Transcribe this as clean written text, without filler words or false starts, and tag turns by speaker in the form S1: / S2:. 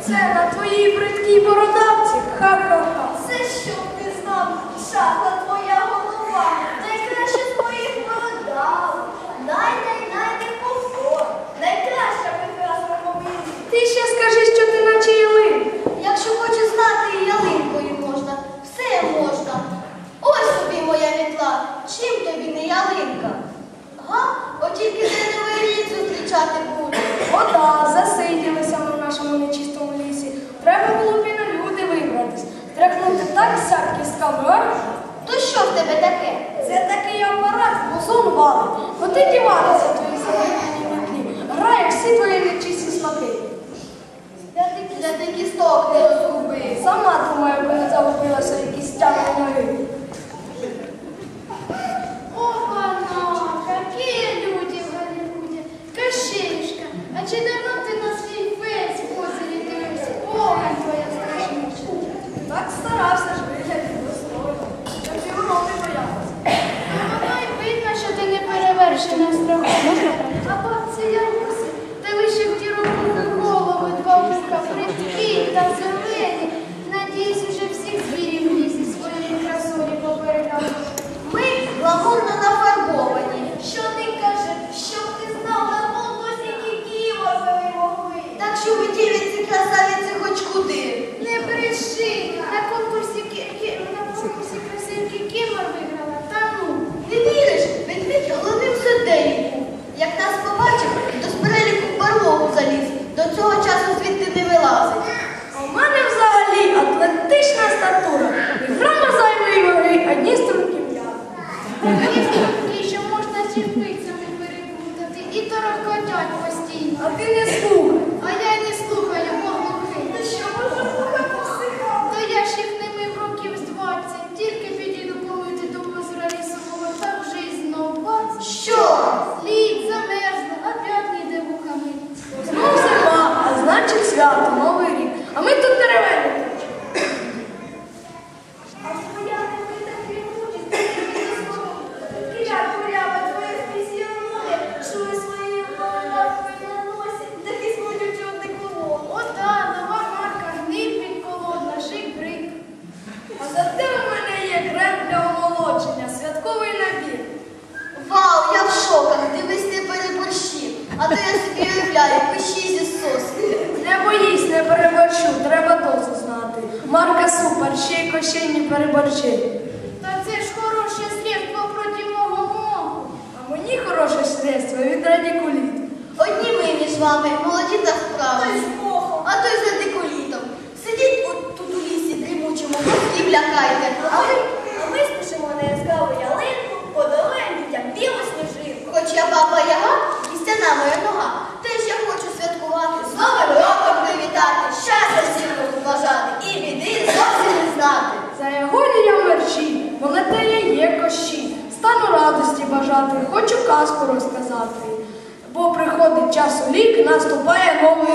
S1: Це на твоїй бридкій бородавці? Ха-ха-ха.
S2: Це що ти знав? Шахла твоя голова. Найкраще з твоїх бородав. Найде повтор. Найкраща прекрасна мобілі.
S1: Ти ще скажи, що ти наче ялин.
S2: Якщо хочеш знати, і ялинкою можна. Все можна. Ось тобі моя мітла. Чим тобі не ялинка? Га? От тільки ти новий рік зустрічати будеш.
S1: Ота, засиділися ми в нашому нечистому лісі. Треба було б і на люди вибратись. Тряхнути так сяк кістками.
S2: То що в тебе таке?
S1: Це такий апарат, музон валить. От і діватися твої заведені метлі. Грає всі твої нечисті смаки.
S2: Для ти кісток не розгуби.
S1: Сама думаю, аби не загубилася якісь тями ноги.
S3: Опа-на, какие люди в Голливуде. Кощеюшка, а чи давно ти на свій фейс в озері дивився? Погань твоя страшнюча.
S1: Так старався ж вигляді достойно. Щоб його не боялася.
S3: Воно й видно, що ти не перевершена страху. А бабці Ярусі, та ви ще в ті роки голови, два вуха, приткі та зелені. Надіюсь, уже всіх звірів в лісі своєї красолі попередали.
S2: Ми гламурно нафарбовані. Що ти кажеш? Щоб ти знав, на конкурсі ні морфи могли. Так що ви дівці красавиці хоч куди.
S3: Не бреши! На конкурсі красивки Кімор виграла. Та ну!
S2: Не віриш? Ведмідь головним суддею був. Як нас побачив, то з переліку в барлогу заліз. До цього часу звідти не вилазить.
S1: А в мене взагалі атлетична статура. І грама зайвої ваги, одні струнки м'язи.
S3: Є струнки, що можна черпицями перепутати і торохкотять постійно.
S1: А ти не слухай.
S3: А я й не слухаю, поглухи.
S2: Та що може слухати психа?
S3: То я ж їх не мив років з 20. Тільки підійду помити до озера лісового, та вже й знов бац.
S2: Що?
S3: Лід замерзла, опять ніде вухами.
S1: Знов зима, а значить свято, Новий рік. А ми тут деревені.
S2: А твоя не такі мучить, кіля курява, твоя фізіономія, що ви своєю головою на носі, такі смутять чорний колон.
S3: Ота, нова марка, гниль підколодна, шик-брик.
S1: А зате у мене є крем для омолодження, святковий набір.
S2: Вау, я в шоках, дивись, не переборщи. А то я собі уявляю, пищі зі соски.
S1: Не боїсь, не переборщу, треба дозу знати. Марка супер, ще й кощей не переборчи.
S3: Та це ж хороше средство проти мого моху.
S1: А мені хороше средство від радикуліту.
S2: Одні ми між вами, молоді та вправі. А то й за дикулітом. Сидіть от тут у лісі дрімучому, і лякайте. А ми спишемо на яскраву ялинку, подолаємо дітям білу сніжинку. Хоч я баба Яга, кістяна моя нога, теж я хочу святкувати, з Новим роком привітати, щастя всім розважати і біди зовсім не знати.
S1: За ягоді я мерчі, бо на те я є кощі. Стану радості бажати, хочу казку розказати. Бо приходить час у лік, наступає новий